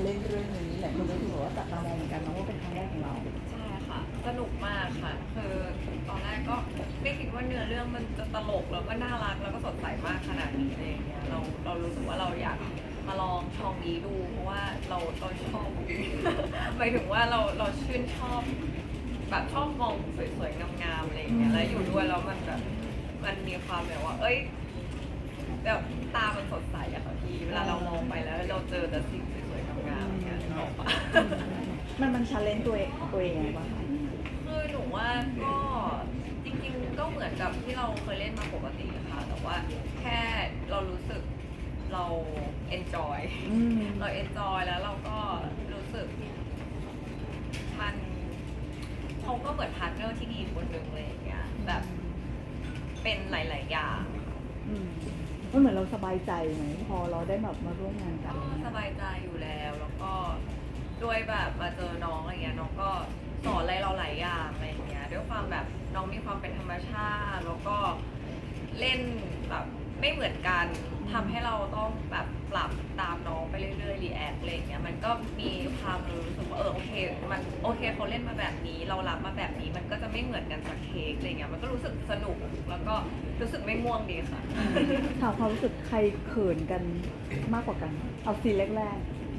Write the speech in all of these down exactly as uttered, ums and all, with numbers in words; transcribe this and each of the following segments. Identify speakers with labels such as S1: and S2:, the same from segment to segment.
S1: เล่นเรื่องนี้แหละคนก็ถือว่าจับตามองเหมือนกันนะว่าเป็นครั้งแรกของเรา
S2: ใช่ค่ะสนุกมากค่ะคือตอนแรกก็ไม่คิดว่าเนื้อเรื่องมันจะตลกแล้วก็น่ารักแล้วก็สดใสมากขนาดนี้อะไรอย่างเงี้ยเราเรารู้สึกว่าเราอยากมาลองช่องนี้ดูเพราะว่าเราเราชอบ หมายถึงว่าเราเราชื่นชอบแบบชอบมองสวยๆงามๆอะไรอย่างเงี้ยแล้วอยู่ด้วยแล้วมันแบบมันมีความแบบว่าเอ้ยแบบตามันสดใสอะค่ะพี่เวลาเรามองไปแล้วเราเจอแต่สิ่งสวยๆงามๆอย่างเงี้ยนึกออกปะ
S1: มันมันชาเลนจ์ตัวเองตัวเองยังไงบ้างคะ
S2: คือหนูว่าก็จริงๆก็เหมือนกับที่เราเคยเล่นมาปกติค่ะแต่ว่าแค่เรารู้สึกเรา enjoy
S1: อืม
S2: เรา enjoy แล้วเราก็รู้สึกมันเขาก็เหมือนพาร์ทเนอร์ที่ดีคนหนึ่งเลยอย่างเงี้ยแบบเป็นหลายๆอย่าง
S1: อืมมันเหมือนเราสบายใจไหมพอเราได้แบบมาร่วมงานกั
S2: ก็
S1: น
S2: สบายใจอยู่แล้วแล้วก็ด้วยแบบมาเจอน้องอะไรเงี้ยน้องก็สอนอะไรเราหลายอย่างอะไรอย่างเงี้ยด้วยความแบบน้องมีความเป็นธรรมชาติแล้วก็เล่นแบบไม่เหมือนกันทำให้เราต้องแบบปรับตามน้องไปเรื่อยๆรีแอคอะไรอย่างเงี้ยมันก็มีความรู้สึกว่าเออโอเคมันโอเคเขาเล่นมาแบบนี้เรารับมาแบบนี้มันก็จะไม่เหมือนกันสักเค้กอะไรเงี้ยมันก็รู้สึกสนุกแล้วก็รู้สึกไม่ง่วงดีค่ะ
S1: ถามความรู้สึกใครเขินกันมากกว่ากัน เอาซีนแรก
S3: แรก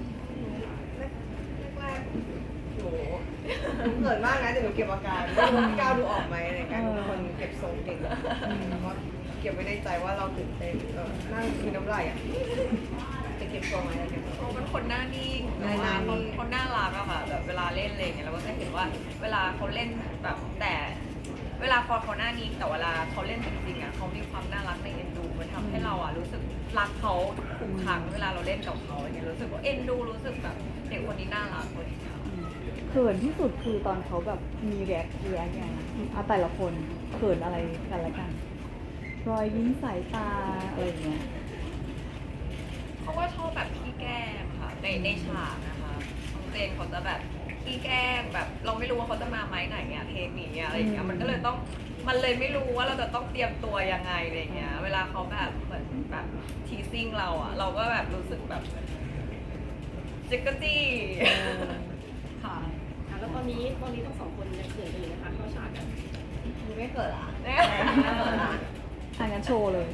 S3: ๆหนูหนูเกิดมากนะแต่หนูเก็บอาการไม่รู้ว่าพี่ก้าวดูออกไหมในการเป็นคนเก็บทรงเก่งแล้วก็เก็บไว้ในใจว่าเราตื่นเต้นเออนั่งคือน้ำลายอ่ะจะเก็บทรงไหมจะเก็บทรง
S2: เขาเป็นคนหน้านิ่ง
S3: หน้านิ่ง
S2: เขาเขาน่ารักอะค่ะแบบเวลาเล่นอะไรอย่างเงี้ยเราก็จะเห็นว่าเวลาเขาเล่นแบบแต่เวลาพอเขาหน้านิ่งแต่เวลาเขาเล่นจริงๆอะเขามีความน่ารักในเอ็นดูมันทำให้เราอะรู้สึกรักเขาทุกครั้งเวลาเราเล่นกับเขาอย่างเงี้ยรู้สึกว่าเอ็นดูรู้สึกแบบเด็กคนนี้น่ารักคนนี้ค่ะ
S1: ๆเขินที่สุดคือตอนเขาแบบมีแรกแรกไงเอาแต่ละคนเขินอะไรกันละกัน รอยยิ้มสายตาอะไรอย่างเงี้ย
S2: เขาก็ชอบแบบขี้แกล้งค่ะในในฉากนะคะน้องเจนเขาจะแบบขี้แกล้งแบบเราไม่รู้ว่าเขาจะมาไม้ไหนเนี่ยเทคนี้อะอะไรอย่างเงี้ยมันก็เลยต้องมันเลยไม่รู้ว่าเราจะต้องเตรียมตัวยังไงอะไรอย่างเงี้ยเวลาเขาแบบเหมือนแบบทีซิ่งเราอะเราก็แบบรู้สึกแบบจิกกะจี้ ค่ะ
S4: ค่ะแล้วตอนนี้ตอนนี้ทั้งสองคนยังเขินกันอยู่นะคะเข้าฉากกัน
S3: หนูไม่เกิดอ่ะ
S2: เนี่ย
S1: อ่ะงั้นโชว์เลย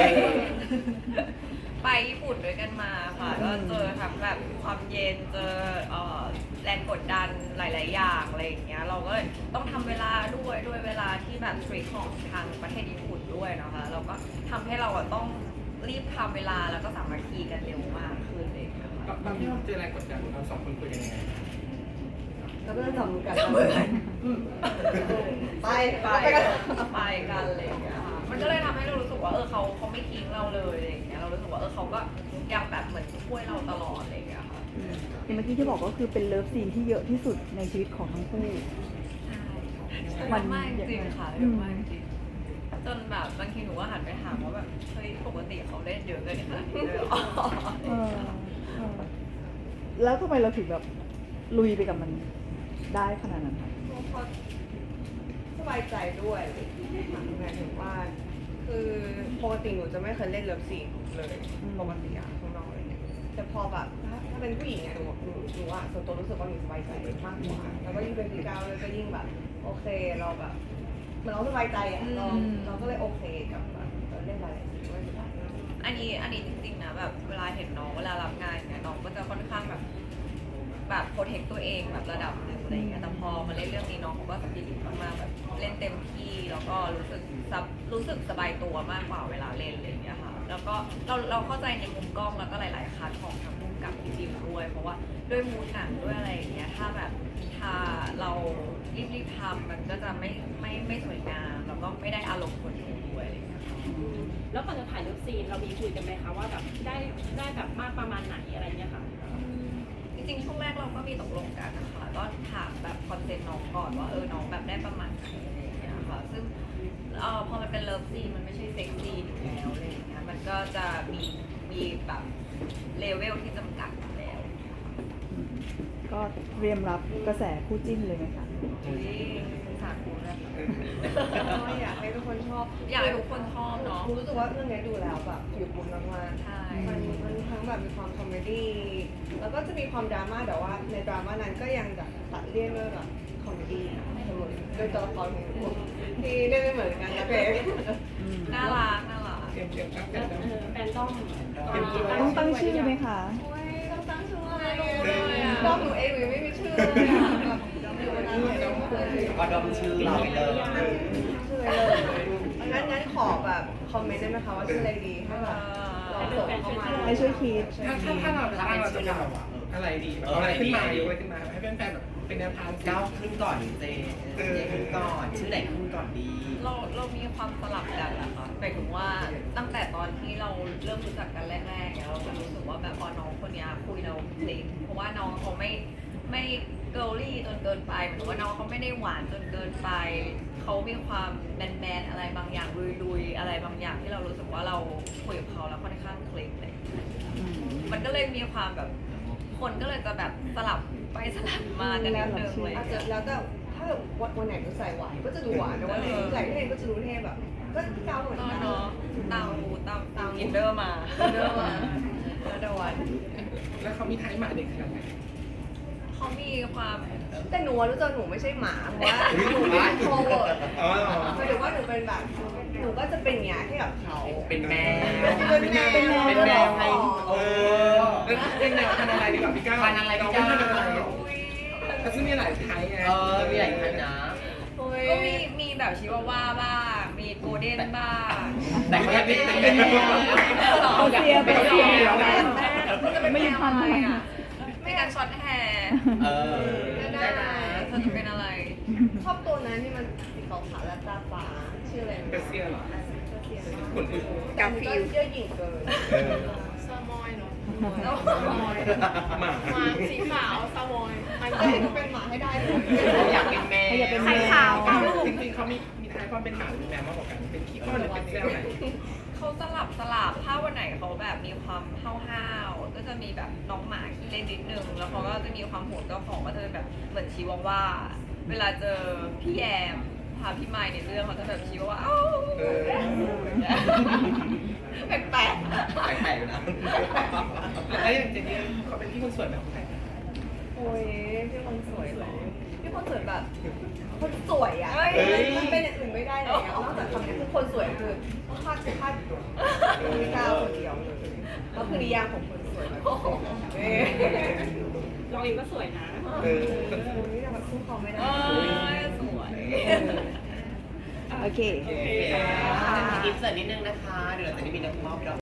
S2: ไปญี่ปุ่นด้วยกันมาค่ะก็เจอทั้งแบบความเย็นเจอเอ่อแรงกดดันหลาย ๆ อย่างอะไรอย่างเงี้ยเราก็ต้องทำเวลาด้วยด้วยเวลาที่แบบสตรีทของทางประเทศญี่ปุ่นด้วยนะคะเราก็ทำให้เราอะต้องรีบทำเวลาแล้วก็สามัคคีกันเร็วมากขึ้นเลยนะคะ
S5: ตอนที่เราเจอแรงกดดันเราสองคนคุยกันยังไง
S3: แล้วก็จะจับมือกัน
S2: จับมือกัน
S3: ไป
S2: ไป
S3: ไปกัน
S2: ไปกันอะไรอย่างเงี้ยค่ะมันก็เลยทำให้เรารู้สึกว่าเออเขาเขาไม่ทิ้งเราเลยอะไรอย่างเงี้ยเรารู้สึกว่าเออเขาก็ยังแบบเหมือนช่วยเราตลอดอะไรอย่างเงี้ยค่ะ
S1: อย่างเมื่อกี้ที่บอกก็คือเป็นเลิฟซีนที่เยอะที่สุดในชีวิตของทั้งคู่
S2: ใช่
S1: มั
S2: เย
S1: น
S2: อะมากจริงๆค่ะ
S1: อื
S2: เย
S1: ม
S2: อะมากจริงๆจนแบบบางทีหนูก็หันไปถามว่าแบบเฮ้ยปกติเขาเล่นเยอะเกินขนาดนี้เลยเหรอ
S1: เออเออแล้วทำไมเราถึงแบบลุยไปกับมันได้ขนาดนั้นคะ
S3: เพราะสบายใจด้วยหมายถึงว่า คือปกติหนูจะไม่เคยเล่นเลิฟซีนเลยปกติอะข้างนอกอะไรเงี้ยแต่พอแบบถ้าถ้าเป็นผู้หญิงอะหนูหนูหนูอะส่วนตัวรู้สึกว่าหนูสบายใจมากกว่าแล้วก็ยิ่งเป็นพี่ก้าวเลยก็ยิ่งแบบ โอเคเราแบบเหมือนเราสบายใจอะเราเราก็เลยโอเคกับแบบเล่นอะไรด้วยไม่เป็นไร
S2: อันนี้อันนี้จริงๆนะแบบเวลาเห็นน้องเวลารับงานเนี่ยน้องก็จะค่อนข้างแบบแบบโปรเทคตัวเองแบบระดับหนึ่งอะไรอย่างเงี้ยแต่พอมาเล่นเรื่องนี้น้องเขาก็สปิริตมากๆแบบเล่นเต็มที่แล้วก็รู้สึกซับรู้สึกสบายตัวมากกว่าเวลาเล่นอะไรอย่างเงี้ยค่ะแล้วก็เราเราเข้าใจในมุมกล้องแล้วก็หลายๆคัดของทางมุมกับพี่บิวด้วยเพราะว่าด้วยมูดหนังด้วยอะไรอย่างเงี้ยถ้าแบบถ้าเรารีบๆทำมันก็จะไม่ไม่ไม่สวยงามแล้วก็ไม่ได้อารมณ์คนดูด้วยอะไรอย่างเงี้ยค่ะ
S4: แล้วก่อนจะถ่ายรูปซีนเรามีคุยกันไหมคะว่าแบบได้ได้แบบมากประมาณไหนอะไรเงี้ยค่ะ
S2: จริงๆช่วงแรกเราก็มีตกลงกันนะคะก็ถามแบบคอนเซ็ปต์น้องก่อนว่าเออน้องแบบได้ประมาณไหนอะไรอย่างเงี้ยค่ะซึ่งเอ่อพอมันเป็นเลิฟซีนมันไม่ใช่เซ็กซีนอยู่แล้วอะไรอย่างเงี้ยมันก็จะมีมีแบบเลเวลที่จำกัดอยู่แล้ว
S1: อืมก็เตรียมรับกระแสคู่จิ้นเลยไหมคะ
S2: อุ้ยสาธุนะคะ
S3: ก็อยากให้ทุกคนชอบ
S2: อยากให้ทุกคนชอบเนาะ
S3: รู้สึกว่าเรื่องนี้ดูแล้วแบบอยู่บุญมากๆ
S2: ใช่
S3: มันมันทั้งแบบมีความคอมเมดี้แล้วแล้วก็จะมีความดราม่าแต่ว่าในดราม่านั้นก็ยังแบบตัดเลี่ยงด้วยแบบคอมเมดี้เสมอโดยตัวละครของหนูที่เล่นไม่เหมือนกันนะเป๊ก
S2: น่ารักน่ารัก
S5: เตรียมเตรียมตั้ง
S4: เอ
S5: กัน
S4: อ
S5: แล้ว
S4: เออแฟนต้อง
S1: ต้องตั้งชื่อไหมคะ
S3: โอ้ยต้องตั้งชื่ออะไรเลยอ่ะรอบหนูเองหนูยังไม่มีชื่อเลยอ่ะแบบอยู่มานานแล้วเลย
S6: ก็ดมชื่อเราไปเลย
S3: ชื่ออะไรเลยงั้นงั้นขอแบบคอมเมนต์ได้ไหมคะว่าชื่ออะไรดีให้แบบลองส่งเข้ามา
S1: ให้ช่วยคิด
S5: ถ้าถ้าถ้าเราถ้าเราจะแบบอะไรดีแบบอะไรขึ้นมายกอะไรขึ้นมาให้แฟนๆแบบเป็นแนวทาง
S6: ก้าวขึ้นก่อนเจเจขึ้นก่อน ชื่อไหนขึ้นก่อนดี
S2: เราเรามีความสลับกันนะคะหมายถึงว่าตั้งแต่ตอนที่เราเริ่มรู้จักกันแรกๆเนี่ยเราจะรู้สึกว่าแบบอ๋อน้องคนเนี้ยคุยเราคลิกเพราะว่าน้องเขาไม่ไม่เกิร์ลลี่จนเกินไปเหมือนว่าน้องเขาไม่ได้หวานจนเกินไปเขามีความแมนๆอะไรบางอย่างลุยๆอะไรบางอย่างที่เรารู้สึกว่าเราคุยกับเขาแล้วค่อนข้างคลิกเลยมันก็เลยมีความแบบคนก็เลยจะแบบสลับไปสลับมากันนิดนึงเลย
S3: อาจจะแล้วแต่ถ้าแบบวันไหนหนูใส่หวานก็จะดูหวานแต่วันไหนหนูใส่เท่ก็จะดูเท่แบบ ก็เกาเหมือน
S2: เนาะ
S3: กัน
S2: เนาะเตาเตาเตาอินเดอร์มา
S3: เดิมอ่ะแล้วแต่วัน
S5: แล้วเขามีไทยหมาเด็กขนาดไหน
S2: เขามีความ
S3: แต่หนูรู้จักหนูไม่ใช่หมาเพราะว่าหนูเป็นโทรเวิร์ด
S5: อ๋อ
S3: หมายถึงว่าหนูเป็นแบบหนูก็จะเป็นอย่างที่กับเขา
S6: เป็นแมว
S3: เป็นแมว
S6: เป็นแมวไง
S5: เออแล้วเป็นแนวพันธุ์อะไรดีกว่าพี่ก้าว
S6: พันธุ์อะไรพี่ก้าว
S5: พันธุ์อะไรเขาซึ่งมีหลายไทยไง
S6: เออ มีหลายไทยนะ
S3: โอ้ย
S2: ก็มีมีแบบชิวาว่าบ้าง มีโกลเด้นบ้าง
S6: แต่ก็ยังเป็น
S5: แต่
S6: เป็น
S5: ก็
S6: แม
S5: ยัง
S6: ว
S1: เอาเสียไปเสีย ไม่มีพันธุ์
S2: อะไรอ่ะไม่การช็อตแฮร์
S6: เออ
S3: ได้
S6: ได้
S3: ไหม
S6: นะ
S2: เธอจะเป็นอะไร
S3: ชอบตัวนั้นที่มันสีขาวๆและตาฟ้าชื่ออะไร
S5: เปเซียเหรอ
S3: ข
S5: คนอื่น
S3: กาฟิลเยอะหยิ่งเกิน
S5: เออ
S4: ซามอยเนาะ
S3: แล้ว
S5: หมา
S4: มาสีขาวซามอยมัน
S3: ก็ให้หนูเป็นหมาให้ได้เลย
S6: อยากเป็นแมว
S1: อยากเป็นแมว
S4: ไข่ขาวกับลูก
S5: จริงๆเขามีมีไทยความเป็นหมาหรือแมวมากกว่ากัน เป็นขี้อ้อนหรือเป็นแซวไหน
S2: เขาสลับสลับถ้าวันไหนเขาแบบมีความห้าวๆก็จะมีแบบน้องหมาขี้เล่นนิดนึง แล้วเขาก็จะมีความโหดเจ้าของก็จะเป็นแบบเหมือนชิวาว่า เวลาเจอพี่แยมพาพี่ไมค์ในเรื่องเขาจะแบบชิวาว่าอ้าว
S5: เออ
S2: แปลก
S6: แปลกๆอยู่นะ
S5: แล้วอย่างเจนนี่เขาเป็นพี่คนสวยแบบไหน
S3: โอ้ยพี่คนสวยเหรอพี่คนสวยแบบคนสวยอ่ะมันเป็นอย่างอื่นไม่ได้เลยนอกจากคำนี้คือคนสวยคือคาดคาดพี่ก้าวคนเดียวเลยก็คือนิยามของคนสวยแบบเอ้ย
S4: เราเองก็สวยนะ
S5: เออ
S3: นี่จะมาสู้เขาไม่
S2: ๆ
S3: ได้
S2: เออสวย
S1: โอเค
S6: โอเคอินเสิร์ตนิดนึงนะคะ เดี๋ยวเราจะได้มีนักมอบดอก